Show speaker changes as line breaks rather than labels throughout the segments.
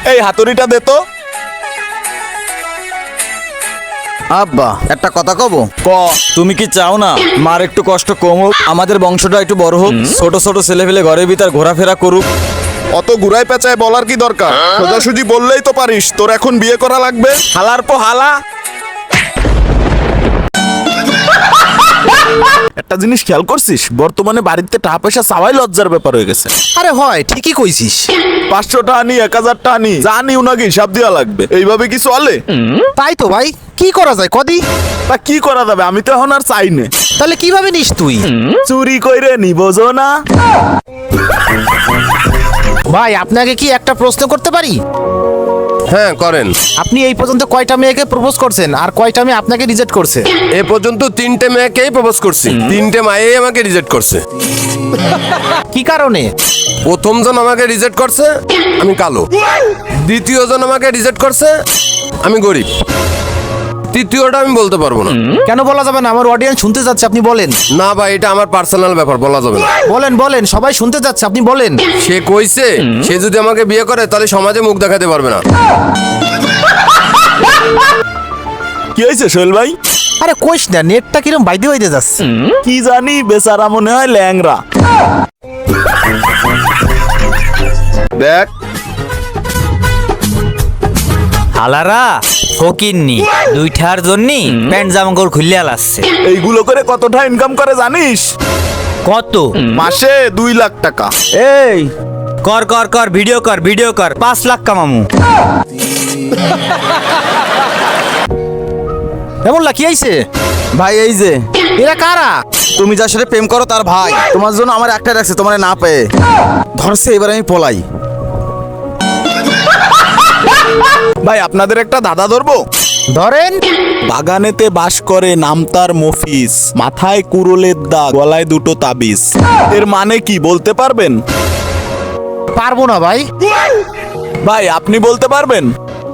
এই হাতুড়িটা দে তো।
আব্বা একটা কথা কব।
ক।
তুমি কি চাও না মার একটু কষ্ট কম হোক, আমাদের বংশটা একটু বড় হোক, ছোট ছোট ছেলে পেলে ঘরের ভিতর ঘোরাফেরা করুক?
অত ঘুরাই পেঁচায় বলার কি দরকার? সোজাসুজি বললেই তো পারিস তোর এখন বিয়ে করা লাগবে। হালার পো হালা। একটা জিনিস খেয়াল করছিস, বর্তমানে বাড়িতে টাকা পয়সা চাওয়াই লজ্জার ব্যাপার হয়ে গেছে।
আরে হয়, ঠিকই কইছিস।
500 টাকা নি, 1000 টাকা নি, যা নিও নাকি হিসাব দেওয়া লাগবে। এইভাবে কি চলে?
তাই তো ভাই, কি করা যায় কদি?
তা কি করা যাবে, আমি তো এখন আর চাই না।
তাহলে কিভাবে নিস তুই?
চুরি কইরে নিবোঝো না।
ভাই আপনাকে কি একটা প্রশ্ন করতে পারি?
হ্যাঁ করেন।
আপনি এই পর্যন্ত কয়টা মেয়েকে প্রপোজ করছেন আর কয়টা মেয়ে আপনাকে রিজেক্ট করছে?
এ পর্যন্ত 3টে মেয়েকেই প্রপোজ করছি, 3টে মায়েই আমাকে রিজেক্ট করছে।
কি কারণে?
প্রথম জন আমাকে রিজেক্ট করছে আমি কালো, দ্বিতীয় জন আমাকে রিজেক্ট করছে আমি গরিব, তৃতীয়টা আমি বলতে পারবো না।
কেন বলা যাবে না? আমার অডিয়েন্স শুনতে যাচ্ছে, আপনি বলেন।
না ভাই, এটা আমার পার্সোনাল ব্যাপার, বলা যাবে না।
বলেন বলেন, সবাই শুনতে যাচ্ছে, আপনি বলেন।
সে কইছে সে যদি আমাকে বিয়ে করে তাহলে সমাজে মুখ দেখাতে পারবে না।
কি হয়েছে সোহেল ভাই?
আরে কইস না, নেটটা কিরম বাইতে বাইতে যাচ্ছে।
কি জানি, বেচারা মনে হয় ল্যাংরা। দেখ
হালারা ফকিরনি দুইটার জন্যই প্যান্ট জামাকাপড় খুললে আলাচ্ছে।
এইগুলো করে কতটা ইনকাম করে জানিস?
কত?
মাসে 2 লাখ টাকা।
এই কর কর কর, ভিডিও কর, ভিডিও কর, 5 লাখ কামামু।
এমন লাকি আইছে?
ভাই এই যে
এরা কারা?
তুমি যার সাথে প্রেম করো তার ভাই, তোমার জন্য আমার একটা রাখছে, তোমার না পেয়ে ধরছে, এবার আমি পলাই।
ভাই আপনাদের একটা দাদা ধরবো?
ধরেন।
বাগানেতে বাস করে, নাম তার মফিজ, মাথায় কুড়োলের দাগ, গলায় 2টো তাবিজ। এর মানে কি বলতে পারবেন?
পারবো না ভাই।
ভাই আপনি বলতে পারবেন?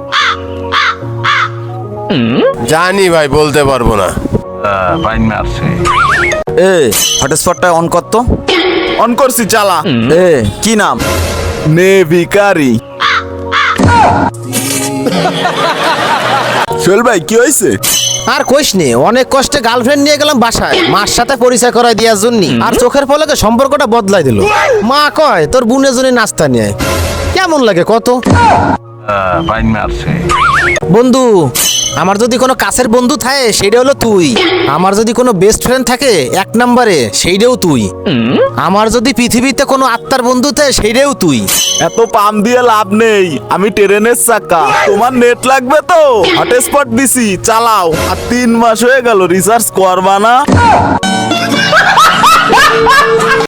জানি ভাই, বলতে পারবো না।
এ হটস্পটটা অন কর তো।
অন করছি, চালা।
এ কি নাম?
নে ভিখারি। সোহেল ভাই কি হয়েছে?
আর কইস নে, অনেক কষ্টে গার্লফ্রেন্ড নিয়ে গেলাম বাসায়, মার সাথে পরিচয় করাই দেওয়ার জন্য, আর চোখের পলকে সম্পর্কটা বদলাই দিল। মা কয় তোর বোনের জন্য নাস্তা নিয়ে আয়। কেমন লাগে কত? বন্ধু, আমার যদি কোনো কাছের বন্ধু থাকে সেটা হলো তুই। আমার যদি কোনো বেস্ট ফ্রেন্ড থাকে 1 নম্বরে, সেইটাও তুই। আমার যদি পৃথিবীতে কোনো আত্মার বন্ধু থাকে সেইটাও তুই।
এত পাম দিয়ে লাভ নেই, আমি ট্রেনের চাকা। তোমার নেট লাগবে তো, হটস্পট দিছি, চালাও। আর 3 মাস হয়ে গেল রিচার্জ করবা না।